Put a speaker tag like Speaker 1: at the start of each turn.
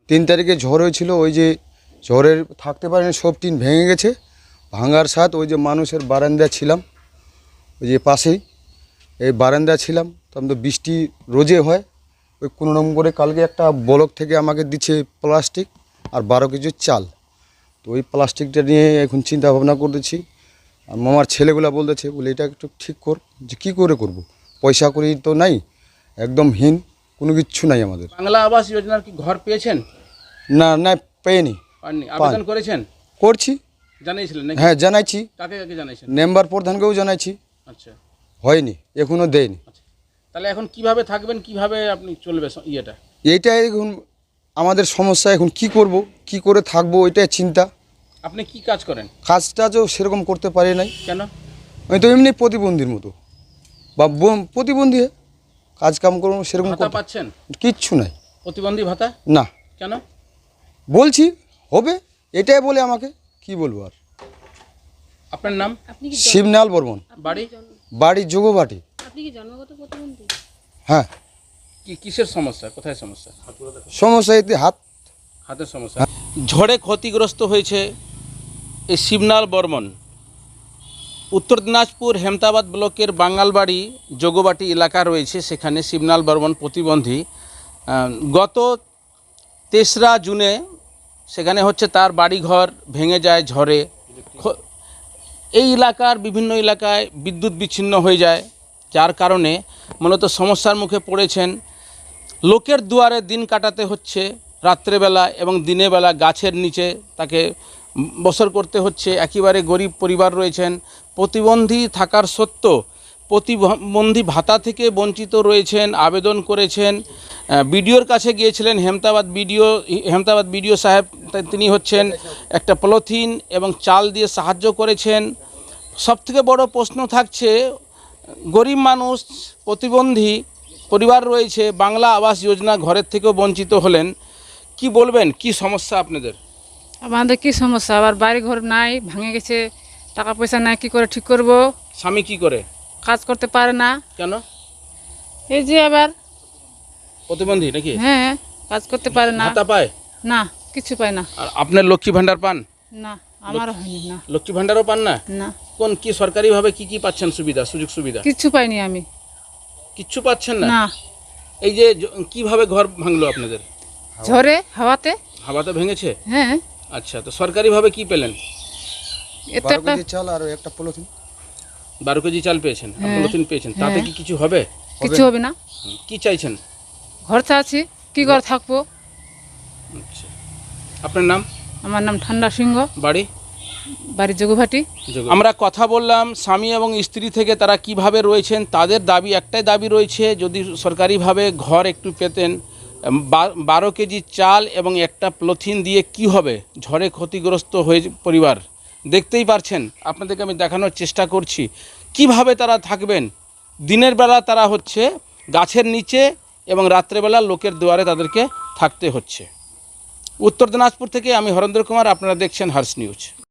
Speaker 1: 3 তারিখে ঝড় হয়েছিল, ওই যে ঝড়ের থাকতে পারেনি, সব টিন ভেঙে গেছে। ভাঙার সাথ ওই যে মানুষের বারান্দা ছিলাম, ওই যে পাশেই এই বারান্দা ছিলাম, তখন তো বৃষ্টি রোজে হয়। ওই কোনো রকম করে কালকে একটা ব্লক থেকে আমাকে দিচ্ছে প্লাস্টিক আর 12 কেজি চাল। তো ওই প্লাস্টিকটা নিয়ে এখন চিন্তা ভাবনা করতেছি। আর মামার ছেলেগুলা বলতেছে, বলে এটা একটু ঠিক কর। যে কী করে করব, পয়সা করি তো নাই, একদম হীন, কোনো কিচ্ছু নাই আমাদের।
Speaker 2: বাংলা আবাস যোজনার কি ঘর পেয়েছেন?
Speaker 1: না না, পেয়নি।
Speaker 2: পাননি? আবেদন করেছেন?
Speaker 1: করছি।
Speaker 2: জানিয়েছিলেন নাকি?
Speaker 1: হ্যাঁ জানাইছি,
Speaker 2: কাকে কাকে জানিয়েছেন?
Speaker 1: মেম্বার প্রধানকেও জানাইছি,
Speaker 2: আচ্ছা
Speaker 1: হয়নি, এখনও দেয়নি।
Speaker 2: আচ্ছা, তাহলে এখন কিভাবে থাকবেন, কিভাবে আপনি চলবে ইয়েটা?
Speaker 1: এইটাই এখন আমাদের সমস্যা। এখন কি করব, কি করে থাকবো, ওইটাই চিন্তা।
Speaker 2: আপনি কি কাজ করেন?
Speaker 1: কাজটাজও সেরকম করতে পারি নাই।
Speaker 2: কেন?
Speaker 1: আমি তো এমনি প্রতিবন্ধীর মতো, বা প্রতিবন্ধী, কাজ কাম করবো সেরকম
Speaker 2: ভাতা
Speaker 1: করতে
Speaker 2: পাচ্ছেন?
Speaker 1: কিচ্ছু নাই।
Speaker 2: প্রতিবন্ধী ভাতা?
Speaker 1: না,
Speaker 2: কেন?
Speaker 1: বলছি হবে, এটাই বলে আমাকে, কি বলবো আর।
Speaker 2: আপনার নাম?
Speaker 1: শিবনাল বর্মন,
Speaker 2: বাড়ি?
Speaker 1: বাড়ি যোগবাটি।
Speaker 3: আপনি কি জন্মগত প্রতিবন্ধী?
Speaker 1: হ্যাঁ।
Speaker 2: কিসের সমস্যা, কোথায় সমস্যা?
Speaker 1: সমস্যা এতে
Speaker 2: হাতের সমস্যা। ঝড়ে ক্ষতিগ্রস্ত হয়েছে এই শিবনাল বর্মন। উত্তর দিনাজপুর হেমতাবাদ ব্লকের বাঙালবাড়ি যোগবাটি এলাকা রয়েছে, সেখানে শিবনাল বর্মন প্রতিবন্ধী। গত 3রা জুনে সেখানে হচ্ছে তার বাড়িঘর ভেঙে যায় ঝড়ে। এই এলাকার বিভিন্ন এলাকায় বিদ্যুৎ বিচ্ছিন্ন হয়ে যায়, যার কারণে মূলত সমস্যার মুখে পড়েছেন। লোকের দুয়ারে দিন কাটাতে হচ্ছে রাত্রেবেলা, এবং দিনের বেলা গাছের নিচে তাকে বসর করতে হচ্ছে। একেবারে গরিব পরিবার রয়েছেন, প্রতিবন্ধী থাকার সত্ত্বেও প্রতিবন্ধী ভাতা থেকে বঞ্চিত রয়েছেন। আবেদন করেছেন, বিডিওর কাছে গিয়েছিলেন, হেমতাবাদ বিডিও সাহেব, তিনি হচ্ছেন একটা পলিথিন এবং চাল দিয়ে সাহায্য করেছেন। সবথেকে বড় প্রশ্ন থাকছে, গরিব মানুষ, প্রতিবন্ধী পরিবার রয়েছে, বাংলা আবাস যোজনা ঘরের থেকেও বঞ্চিত হলেন। কি বলবেন, কি সমস্যা আপনাদের?
Speaker 3: আমাদের কি সমস্যা, আবার বাড়ি ঘর নাই, ভেঙে গেছে, টাকা পয়সা নাই, কি করে ঠিক করব?
Speaker 2: স্বামী কি করে?
Speaker 3: কাজ করতে পারে না।
Speaker 2: কেন?
Speaker 3: এই যে আবার
Speaker 2: প্রতিবন্ধী নাকি?
Speaker 3: হ্যাঁ, কাজ করতে পারে না।
Speaker 2: ভাতা পায়
Speaker 3: না, কিছু পায় না।
Speaker 2: আর আপনার লক্ষ্মী ভাণ্ডার পান?
Speaker 3: না, আমারও হয়নি। না
Speaker 2: লক্ষ্মী ভাণ্ডারও পান না?
Speaker 3: না,
Speaker 2: কোন কি সরকারিভাবে কি কি পাচ্ছেন সুবিধা, সুযোগ সুবিধা?
Speaker 3: কিচ্ছু পাইনি আমি।
Speaker 2: কিচ্ছু পাচ্ছেন না?
Speaker 3: না,
Speaker 2: এই যে কিভাবে ঘর ভাঙলো আপনাদের?
Speaker 3: ঝড়ে হাওয়াতে।
Speaker 2: হাওয়াতে ভেঙেছে?
Speaker 3: হ্যাঁ।
Speaker 2: আচ্ছা, তো সরকারিভাবে কি পেলেন?
Speaker 3: এত
Speaker 1: 12
Speaker 3: একটা
Speaker 1: কেজি চাল আর একটা পলিথিন।
Speaker 2: 12 কেজি চাল পেয়েছেন,
Speaker 3: হ্যাঁ।
Speaker 2: পলিথিন পেয়েছেন, তাতে কি কিছু হবে?
Speaker 3: কিছু হবে না।
Speaker 2: কি চাইছেন?
Speaker 3: ঘর চাচ্ছি, কি করে থাকবো?
Speaker 2: আচ্ছা, আপনার নাম?
Speaker 3: আমার নাম ঠান্ডা সিংহ,
Speaker 2: বাড়ি?
Speaker 3: বাড়ি যোগভাটি।
Speaker 2: আমরা কথা বললাম স্বামী এবং স্ত্রী থেকে, তারা কিভাবে রয়েছেন। তাদের দাবি, একটাই দাবি রয়েছে, যদি সরকারিভাবে ঘর একটু পেতেন। 12 কেজি চাল এবং একটা পলিথিন দিয়ে কি হবে, ঝড়ে ক্ষতিগ্রস্ত হয়ে পরিবার। দেখতেই পারছেন, আপনাদেরকে আমি দেখানোর চেষ্টা করছি কিভাবে তারা থাকবেন। দিনের বেলা তারা হচ্ছে গাছের নিচে, এবং রাত্রেবেলা লোকের দুয়ারে তাদেরকে থাকতে হচ্ছে। উত্তর দিনাজপুর থেকে আমি হরেন্দ্র কুমার, আপনারা দেখছেন হার্স নিউজ।